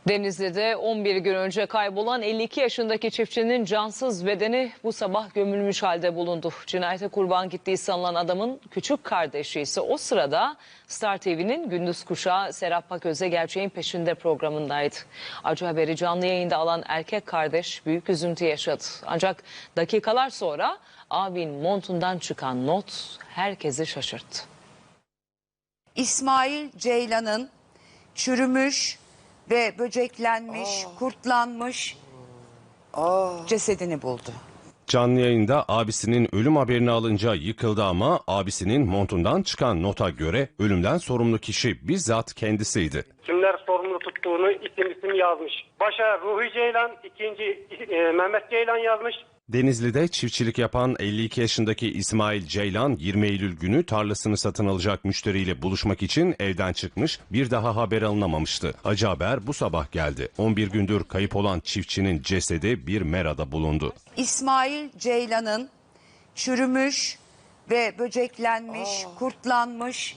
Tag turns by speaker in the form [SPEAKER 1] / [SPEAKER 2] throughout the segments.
[SPEAKER 1] Denizli'de 11 gün önce kaybolan 52 yaşındaki çiftçinin cansız bedeni bu sabah gömülmüş halde bulundu. Cinayete kurban gittiği sanılan adamın küçük kardeşi ise o sırada Star TV'nin Gündüz Kuşağı Serap Paköz'e Gerçeğin Peşinde programındaydı. Acı haberi canlı yayında alan erkek kardeş büyük üzüntü yaşadı. Ancak dakikalar sonra abinin montundan çıkan not herkesi şaşırttı.
[SPEAKER 2] İsmail Ceylan'ın çürümüş ve böceklenmiş, kurtlanmış cesedini buldu.
[SPEAKER 3] Canlı yayında abisinin ölüm haberini alınca yıkıldı ama abisinin montundan çıkan nota göre ölümden sorumlu kişi bizzat kendisiydi.
[SPEAKER 4] Kimler sorumlu tuttuğunu isim yazmış. Başa Ruhi Ceylan, ikinci Mehmet Ceylan yazmış.
[SPEAKER 3] Denizli'de çiftçilik yapan 52 yaşındaki İsmail Ceylan 20 Eylül günü tarlasını satın alacak müşteriyle buluşmak için evden çıkmış, bir daha haber alınamamıştı. Acı haber bu sabah geldi. 11 gündür kayıp olan çiftçinin cesedi bir merada bulundu.
[SPEAKER 2] İsmail Ceylan'ın çürümüş ve böceklenmiş, kurtlanmış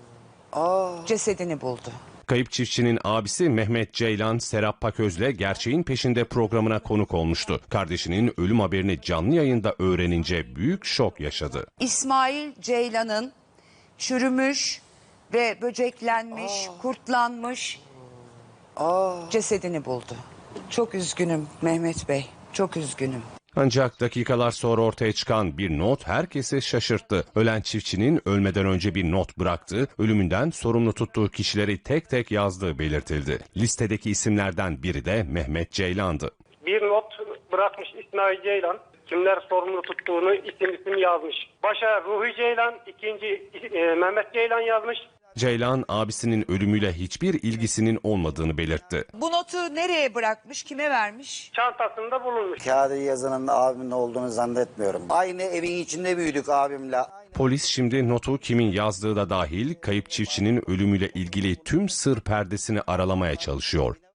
[SPEAKER 2] cesedini buldu.
[SPEAKER 3] Kayıp çiftçinin abisi Mehmet Ceylan, Serap Paköz'le Gerçeğin Peşinde programına konuk olmuştu. Kardeşinin ölüm haberini canlı yayında öğrenince büyük şok yaşadı.
[SPEAKER 2] İsmail Ceylan'ın çürümüş ve böceklenmiş, kurtlanmış cesedini buldu. Çok üzgünüm Mehmet Bey, çok üzgünüm.
[SPEAKER 3] Ancak dakikalar sonra ortaya çıkan bir not herkesi şaşırttı. Ölen çiftçinin ölmeden önce bir not bıraktığı, ölümünden sorumlu tuttuğu kişileri tek tek yazdığı belirtildi. Listedeki isimlerden biri de Mehmet Ceylan'dı.
[SPEAKER 4] Bir not bırakmış İsmail Ceylan. Kimler sorumlu tuttuğunu isim yazmış. Başa Ruhi Ceylan, ikinci Mehmet Ceylan yazmış.
[SPEAKER 3] Ceylan abisinin ölümüyle hiçbir ilgisinin olmadığını belirtti.
[SPEAKER 2] Bu notu nereye bırakmış, kime vermiş?
[SPEAKER 4] Çantasında bulunmuş.
[SPEAKER 5] Kağıdı yazanın abimin olduğunu zannetmiyorum. Aynı evin içinde büyüdük abimle.
[SPEAKER 3] Polis şimdi notu kimin yazdığı da dahil kayıp çiftçinin ölümüyle ilgili tüm sır perdesini aralamaya çalışıyor.